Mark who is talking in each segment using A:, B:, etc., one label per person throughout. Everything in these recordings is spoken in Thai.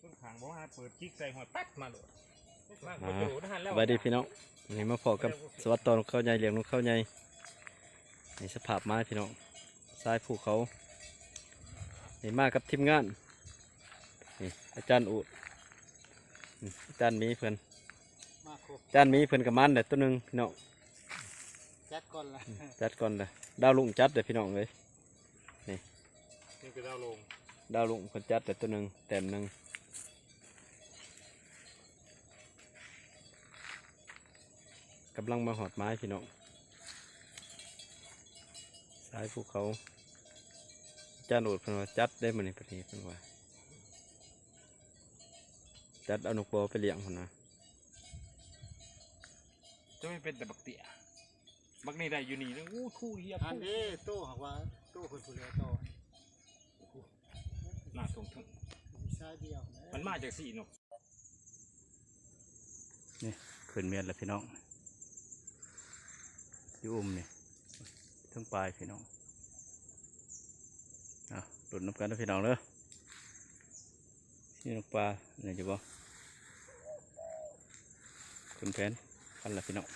A: ต้นขางบอกว่าเปิดจิกใส่หัวตัดมาเลยมากก
B: อ่า
A: ว่าอยู่นะฮะแล้ว
B: สวัสดีพี่น้องนี่มาพอกับสวัสดิ์ตอนเข้าใหญ่เลี้ยงนกเข้าใหญ่ในสภาพไม้พี่น้องทรายภูเขานี่มากับทีมงานนี่อาจารย์อุดอาจารย์มีเพื่อน
C: มาครบ
B: อาจารย์มีเพื่อนกับมันเด็ดตัวหนึ่งพี่น้อง
C: จัดก่อนละ
B: จัดก่อนเลยดาวลุงจัดเด็ดพี่น้องเลย
A: นี่คือดาวลง
B: ดาวลุงเพื่อนจัดเด็ดตัวหนึ่งแต้มหนึ่งกำลังมาหอดไม้พี่น้องสายภูเขาอาจารย์อุดเพื่อนว่าจัดได้มาในประเทศเพื่อนว่าจัดเอานกบอไปเลี้ยงคนนะ
A: จะไม่เป็นแต่บักเตี้ยบักนี่ได้อยู่นี่นะอู้ทู่เฮีย
C: อันนี้ตู้หักว่าตู้คนผู้เลี้ยงต่อ
A: หน้าตรงทึ่ง
C: มีชายเดียว
A: มันมาจากสี่นก
B: นี่ขึ้นเมียนแล้วพี่น้องอยู่อุ้มนี่ทั้งปลายพี่น้องหลุดน้ำกันนะพี่น้องเลยนี่นกปลาเนี่ยจะบอกขึ้นแผนกันละพี่น้อง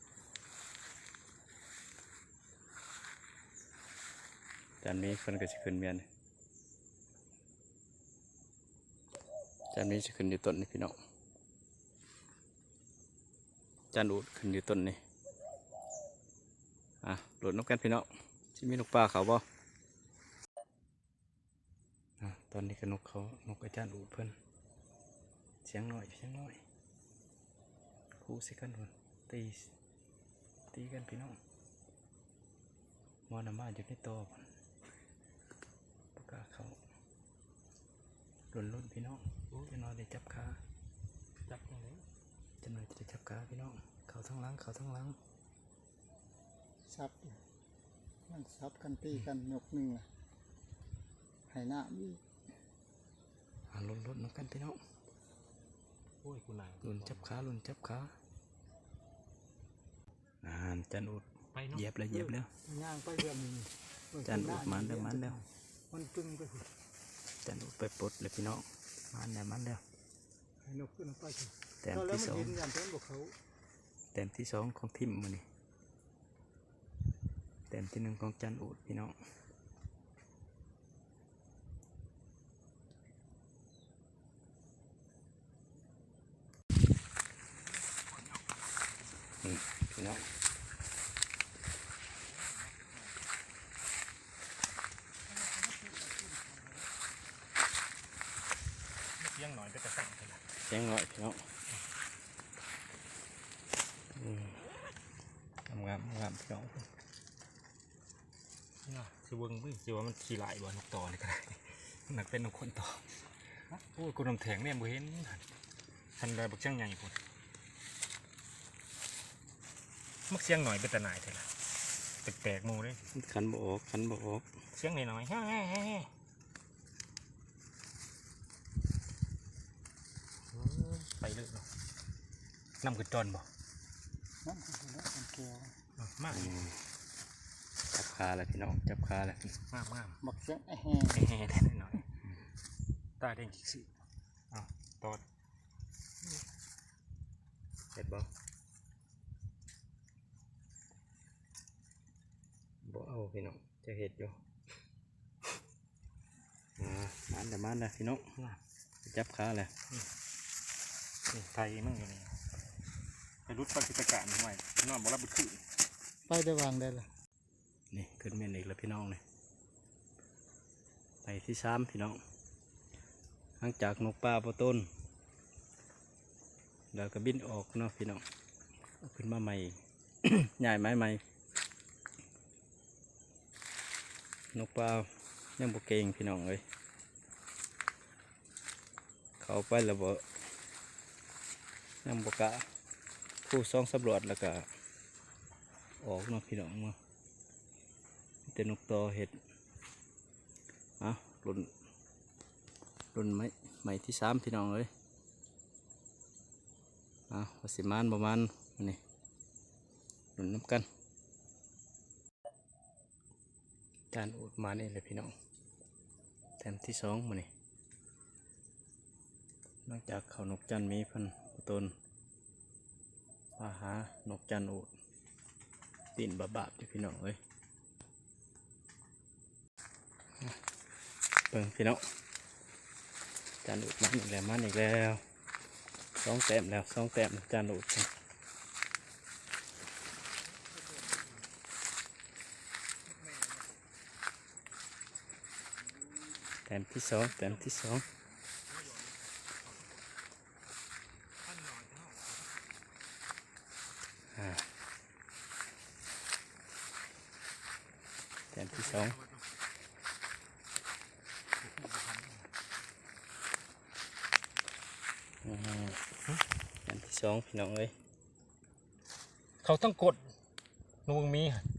B: จานนี้คนก็จะขึ้นเมียนจานนี้จะขึ้นอยู่ต้นนี่พี่น้องจานอูดขึ้นอยู่ต้นนี่หลุดนกกันพี่น้องที่มีนกปลาเขาบ่ตอนนี้ก็นกเขานกอาจารย์อูดเพิ่นเสียงหน่อยคู่สิกันพุ่นตีกันพี่น้องมอนามาอยู่ในโตพุ่นปากกาเขาลุ่นพี่น้องจะนอนได้จับขาจะนอนจะจับขาพี่น้องเขาทั้งหลัง
C: ซับมันซับกันตีกันยกหนึ่งละไหหน้ามี
B: ลุ่นน้ำกันพี่น้อง
A: โอ้ยกูนาย
B: ลุ่นจับขาจันอุด
A: ไปเนาะ
B: เหยียบแล้ว
C: ย่างไปเรื่องนี้
B: จันอุดมันแล้ว
C: มันตึงไปหู
B: จันอุดไปปลดเลยพี่น้องมันแล้ว
C: ให้นกขึ้นไปถึง
B: แต้ม
C: แล้ว
B: ที่
C: มัน
B: สอง
C: ยืนยันต้นบอกเขา
B: แต้มที่สองของทิมมันนี่แต้มที่หนึ่งของจันอุดพี่น้องพี่น้อง
A: เสียงหน่อยก็จะสั่งไปละ
B: เสียงหน่อยพี่น้องงามพี่น้อง
A: นี่นะสิเบิ้งมึงสิว่ามันขี่ไหลบ่นกต่อนี่ก็ได้หนักเป็นนกคนต่อโอ้ยกูนำแทงเนี่ยบ่เห็นทันได้บักเชียงใหญ่พุ่นมักเสียงหน่อยเป็นตาหน่ายเถอะล่ะแปลกๆหมูเลย
B: ขันบออก
A: เสียงหน่อยๆเฮ้ยไปเลยเนาะนำขึ้นจอนบ่
C: นั่นคือมันแก้ว
A: มาก
B: จับขาเลยพี่น้องจับขาเลย
A: มาก
C: บักเสียงแห่
A: แห่ได้หน่อยตาแดงจิกสิตอด
B: เห็ดบ่เอาพี่น้องจะเห็ดอยู่มันเลยพี่น้องจับขาเลย
A: นี่ไทยมั่งอยู่นี่ไปรุดปฏิการหน่อยนอนบ่รับบุตรขึ้น
C: ไปได้วางได้ละ
B: นี่ขึ้นเมนอีกแล้วพี่น้องเลยไปที่สามพี่น้องหลังจากนกปลาปะต้นแล้วก็บินออกเนาะพี่น้องเอาขึ้นมาใหม่ ใหญ่ไม้ใหม่นกปลายังบกเก่งพี่น้องเลยเขาไปแล้วบ่ยังบกะผู้ซ่องสำรวจแล้วก็ออกเนาะพี่น้องเนาะแต่นกตอเห็ดรุ่นไม้ที่สามพี่น้องเลยวสิมานประมาณนี่รุ่นน้ำกันจานอุดมานี่เลยพี่น้องแต้มที่สองมานี่นอกจากเขานกจันทร์มีเพันตนว่าหานกจันทร์อูดติ่นบาบๆอยู่พี่น้องเอ้ยเบิ่งพี่น้องจันทร์อูดมันอีกแล้วมันอีกแล้ว2 แต้มแล้ว2 แต้มจันทร์อูดแต้มที่2แต้มที่2แต้มที่2แต้มที่2พี่น้องเอ้ย
A: เขาต้องกดนวงมีหั่น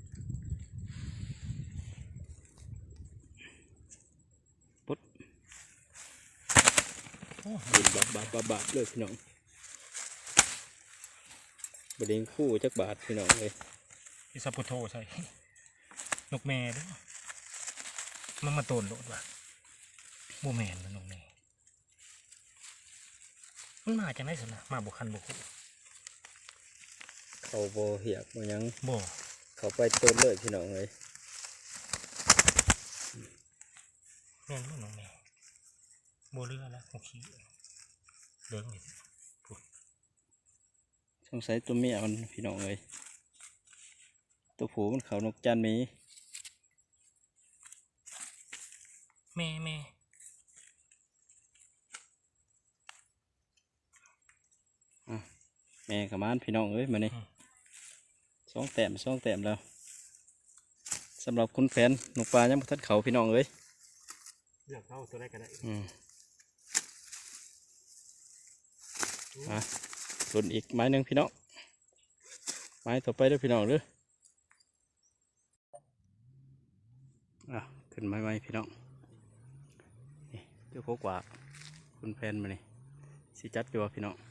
B: บินบาบเลยพี่น้องบดิงคู่จักบาทพี่น้องเลย
A: อิซาปุโตใช่นกแม่เด้วยมันมาโตนโลดว่ะโมแมนมันนกแม่มันมาจากไหนสินะมาบุคันบุคุ
B: เขาโบเหียกโบยัง
A: บ่
B: เขาไปต้นเลยพี่น้องเลย
A: แม่นบ่นกแม่บ่เรือแล้วโอเคเดินอยู่
B: สงสัยตัวเมียมันพี่น้องเลยตัวผูมันเขานกจันทร์มี
A: แม่
B: แม่กับมันพี่น้องเอ้ยมานี่2 แต้มแล้วสำหรับคุณแฟนนกปลายังบ่ทันเขาพี่น้องเอ้ย
A: เลือกเอาตัวได้ก็ได้
B: หล่นอีกไม้หนึ่งพี่น้องไม้ต่อไปเด้อพี่น้องเด้อขึ้นไม้พี่น้องนี่เจ้าโคกว่าคุณแฟนมานี่สิจัดอยู่พี่น้อง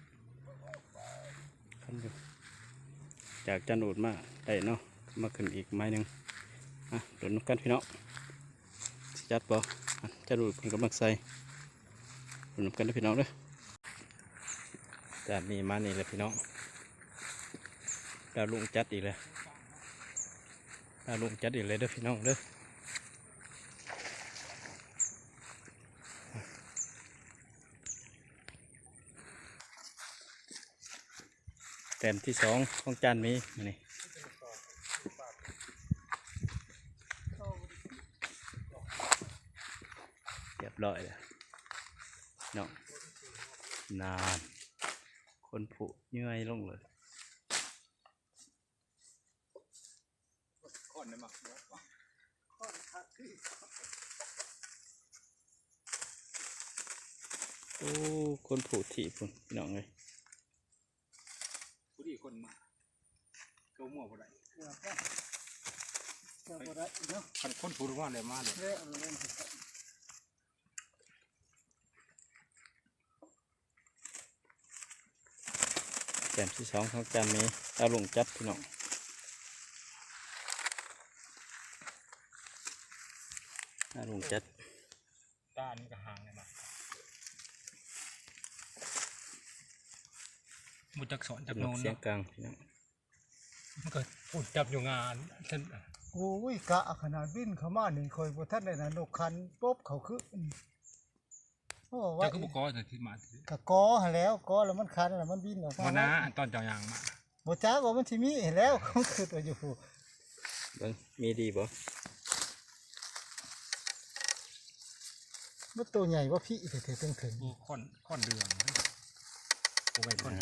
B: ขึ้นอยู่จากจันอูดมาได้เนาะมาขึ้นอีกไม้หนึ่งหล่นกันพี่น้องสิจัดบ่จันอูดเป็นกำลังใส่หล่นกันเด้อพี่น้องเด้อจานนี้มานี่เลยพี่น้องดาวลุงจัดอีกเลยดาวลุงจัดอีกเลยเด้อพี่น้องเด้อแต้มที่2ของจานมีมานี่เรียบร้อยแล้วน้องนานคนผุเยื่อยลงเลยโอ้คนผุถี่พุ่นพี่น้องเลย
A: ผู้ดีคนมาเกาหม้อบ่ได้
C: เจ้าบ่ได้เนาะ
A: คันคนผู้รู้ว่าได้มาเลย
C: เละเอาเล่นสิครับ
B: แต้มที่2ของจานมีดาวลุงจัดพี่น้องดาวลุงจัด
A: ตานี่ก็ห่างเลยมาบุจักสอนจาก
B: น
A: โน่
B: ก
A: น
B: เสียง
A: เนาะ
B: กลางพี่น้อง
A: มันก็พูดจับอยู่งานท่าน
C: โอ้ยกะขนาดบินเข้ามานี่คอยบ่ทันได้นะนกคันปุ๊บเขาคือโอ้ว่า
A: เจ้าก็บอกกอแต่ที่มา
C: กะกอหั้นแล้วกอแล้วมันคันแล้วมันบินออกมา
A: วันนะตอนเจ้ายางมา
C: บ่จ้าว่ามันสิมีเห็นแล้วเขาคือตัวอยู่
B: เบิ่งมีดีบ่
C: มันตัวใหญ่ว่าพี่เถิดถึง
A: โอ้ค่อนเดืองโอ้ไปค่อน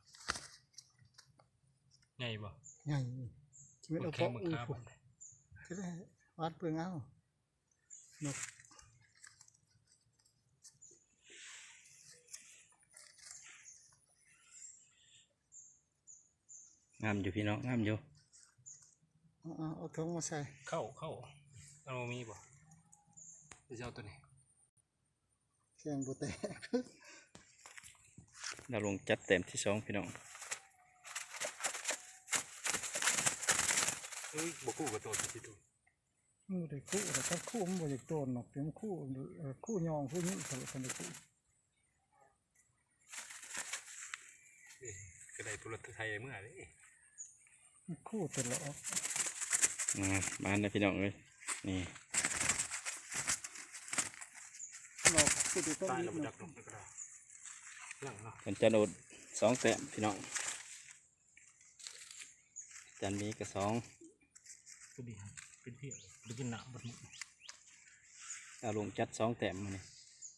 A: ใหญ่บ่
C: ใหญ่ชีวิต
A: โอ
C: เอา
A: เค
C: เพาะ
A: มึง
C: อู้
A: ครับ
C: พุ่นก็ได้วัดเปลืองเอานก
B: งามอยู่พี่น้องงามอยู่
C: เอาถุงมาใส่
A: เข้าเอามีบ่จะเอาตัวนี้
C: เสียงบุแตก
B: ดาวลุงจัดแต้มที่2พี่น้อง
A: เฮ้ยบ่คู่กับตัวที่ตัว
C: มือได้คู่แต่ถ้าคู่มันบ่อยากโดนหรอกเดี๋ยวมันคู่คู่ยองคู่นี้เขาคนได้คู่
A: ตุลไทยเมื่อเลย
C: คู่ตลอด
B: บ้านนะพี่น้องเลยนี่
C: เราคือต้อง
A: ตาย
C: มี
A: แล้วมาดักลงไปก็ได้หลังเนาะ
B: เป็นจันโอด2 แต้มพี่น้องจันมีกับ2
A: ก็ดีครับเป็นเพี้ยหรือกินหนามบัดมุก
B: ดาวลงจัด2 แต้มมานี่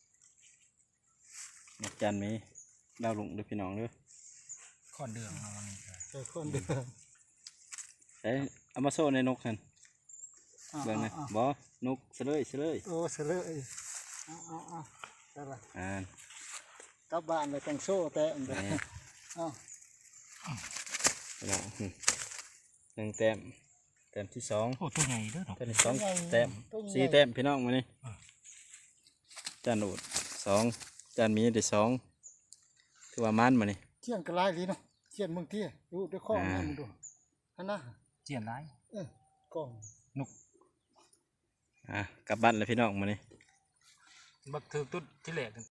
B: นกจันมีดาวลงเด้อพี่น้องเด้อ
A: ข้อนเดืองเอาวันนี้
C: เจอคนเดิม
B: ใส่เอามาโซ่ในนกนั่นเบิ่งนะบ่นกเสลย
C: โอ้เสลยเอาได้ละ
B: อ่าก
C: ลับบ้านเลยแต่งโซ่แต่อันเดียว
B: นี่
C: เอา
B: พี่น้อง1 แต้มแต้มที่2
A: โอ้ตัวใหญ่เด้อเนาะ
B: แต้มที่2 แต้ม4 แต้มพี่น้องมานี่จันโอด2จันมีได้2ถือว่ามันมานี่
C: เที่ยงกระไรลีเนาะเที่ยงเมืองเที่ยดูด้วยข้อนี่มึงดูฮันนะ
A: เจียนร้าย
C: กล้อง
B: กลับบ้านเลยพี่น้องมานี่
A: บักเธอตุ๊ดที่แหลก